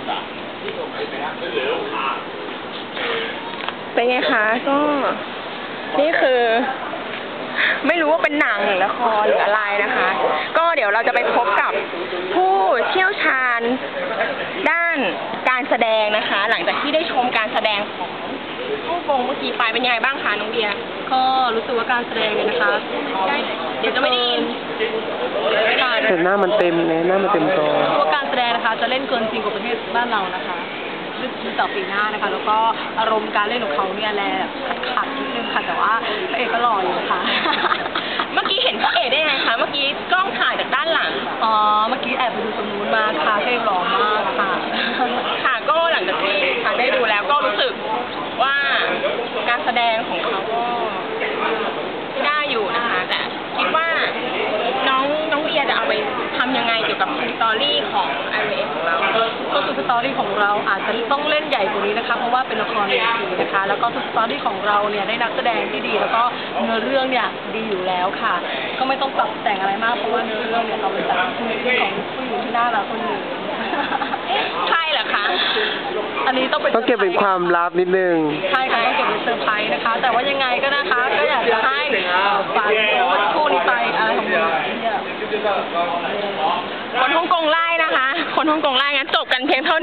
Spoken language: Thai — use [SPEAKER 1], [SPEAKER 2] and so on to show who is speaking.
[SPEAKER 1] เป็นไงคะก็นี่คือไม่รู้ว่าเป็นหนังหรือละครหรืออะไรนะคะ ก็เดี๋ยวเราจะไปพบกับผู้เชี่ยวชาญด้านการแสดงนะคะ หลังจากที่ได้ชมการแสดงของฮ่องกงเมื่อกี้ไปเป็นยังไงบ้างคะน้องเบียร์
[SPEAKER 2] ก็รู้สึกว่าการแสดงเนี่ยนะคะ
[SPEAKER 1] เดี๋ยวจะไม่ได้ยิน
[SPEAKER 3] แต่หน้ามันเต็มเลยหน้ามันเต็มจอ
[SPEAKER 2] ตัวการแสดงนะคะจะเล่นเกินจริงกว่าประเทศบ้านเรานะคะดูต่อปีหน้านะคะแล้วก็อารมณ์การเล่นของเขาเนี่ยแหละขัดนิดนึงค่ะแต่ว่าพระเอกก็หล่ออยู่ค่ะ
[SPEAKER 1] เมื่อกี้เห็นพระเอกได้ไงคะเมื่อกี้กล้องถ่ายจากด้านหลัง
[SPEAKER 2] อ๋อเมื่อกี้แอบไปดูตรงนู้นมาค่ะพระเอกหล่อมากค่ะ
[SPEAKER 1] ค่ะก็หลังจากที่ค่ะได้ดูแล้วก็รู้สึกว่าการแสดงของเขาก็ได้อยู่นะคะแต่คิดว่าน้องเบียร์จะเอาไปทำยังไงเกี่ยวกับสตอรี่ของไอเวของเรา
[SPEAKER 2] ก็คือสตอรี่ของเราอาจจะต้องเล่นใหญ่กว่านี้นะคะเพราะว่าเป็นละครเวทีนะคะแล้วก็สตอรี่ของเราเนี่ยได้นักแสดงที่ดีแล้วก็เนื้อเรื่องเนี่ยดีอยู่แล้วค่ะก็ไม่ต้องปรับแต่งอะไรมากเพราะว่าเนื้อเรื่องเนี่ยเราเป็นจากชีวิตของผู้หญิงที่น่ารักคนหนึ่ง
[SPEAKER 1] ใช่เหรอคะ
[SPEAKER 2] อันนี้ต้อง
[SPEAKER 3] เก็บเป็นความลับนิดนึง
[SPEAKER 2] ใช่ค่ะต้องเก็บเป็นเซอร์ไพรส์นะคะแต่ว่ายังไงก็นะคะก็อยากจะให้ฝากคู่นี้ไปอะไรของเนี่ย
[SPEAKER 1] คนฮ่องกงไล่นะคะคนฮ่องกงไล่งั้นจบกันเพียงเท่า